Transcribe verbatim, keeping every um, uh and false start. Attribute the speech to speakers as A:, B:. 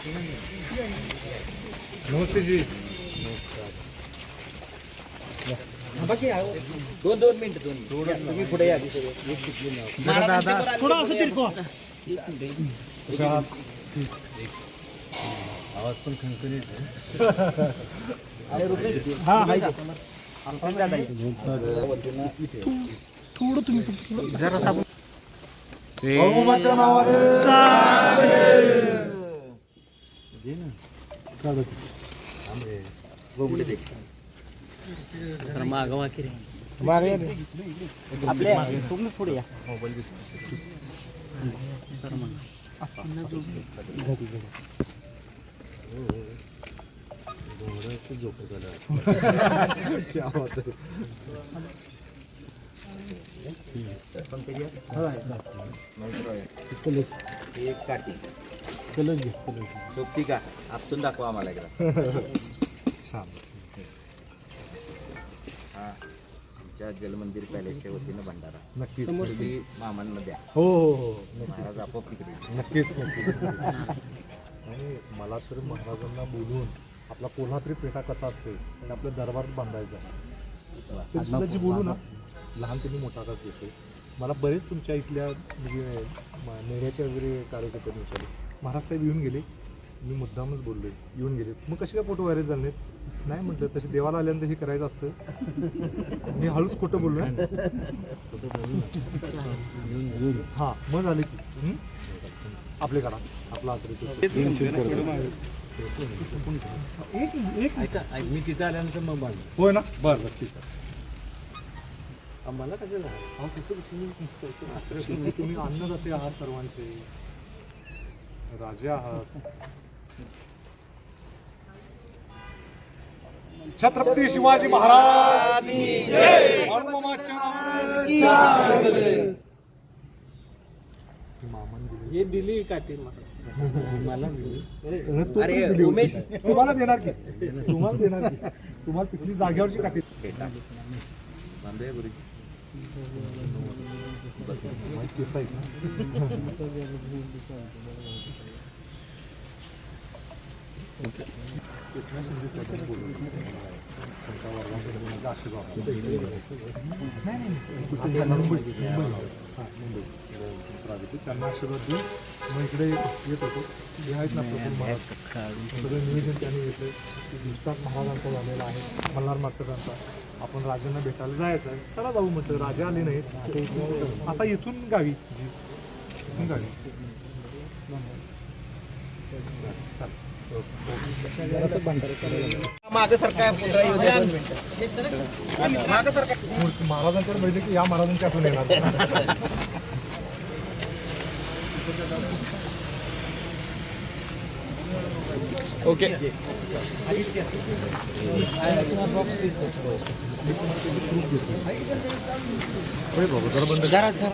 A: नमस्ते जी.
B: बाकी दोन दोन मिनिट दोन तुम्ही पुढे या. दादा
A: थोडा असं तिरको.
B: आवाज पण खणखणीत
A: हा हाय
B: थोडं तुम्ही जरा
A: बहुमाच्या नावाने
B: मागवा की रे आपले तुम्ही पुढे या मोबाईल एक काठी सोपती का आपसून दाखवा आम्हाला एकदा. हा आमच्या जलमंदिर पॅलेसच्या वतीनं भंडारा
A: नक्कीच
B: तुम्ही मामांना द्या.
A: हो हो हो
B: महाराज आपोआप तिकडे
A: नक्कीच नक्कीच आणि मला तर महाराजांना बोलून आपला कोल्हापुरी पेठा कसा असतो आणि आपल्या दरबारात बांधायचा तरी सुद्धा जी बोलू ना लहानपणी मोठा कसा घेतो. मला बरेच तुमच्या इथल्या म्हणजे नेण्याच्या वगैरे कार्यकर्त्यांनी विचारले महाराज साहेब येऊन गेले. मी मुद्दामच बोललोय येऊन गेले मग कसे काय फोटो व्हायरल झाले नाही म्हटलं तसे देवाला आल्यानंतर हे करायचं असतं. मी हळूच खोटं बोललो हां मग झाले की आपले करा आपला
B: मी तिथं आल्यानंतर मग बांध
A: होय ना बरं बरं ठीक आहे.
B: आम्हाला कशाला
A: तुम्ही अन्नदाते आहात सर्वांचे राजे आहात. छत्रपती शिवाजी महाराज
B: हे दिली काठी मला
A: अरे उमेश तुम्हाला देणार की तुम्हाला देणार की तुम्हाला तिथली जागेवरची काठी
B: बांधूया गुरुजी
A: केस आहेत ना. त्यांना आशीर्वाद देऊन मग इकडे येत होतो. जे आहेत ना प्रफुल्ल महाराज सगळं नियोजन त्यांनी घेतलं. गुजरात महाराजांचा झालेला आहे मल्हार मास्तरांचा. आपण राजांना भेटायला जायचं आहे. चला जाऊ म्हटलं राजे आले नाहीत आता इथून गावी इथून गावी
B: मागे सरकार मागे सरकार
A: महाराजांच्यावर पाहिजे की या महाराजांच्या आठवण येणार.
B: ओके
A: जरा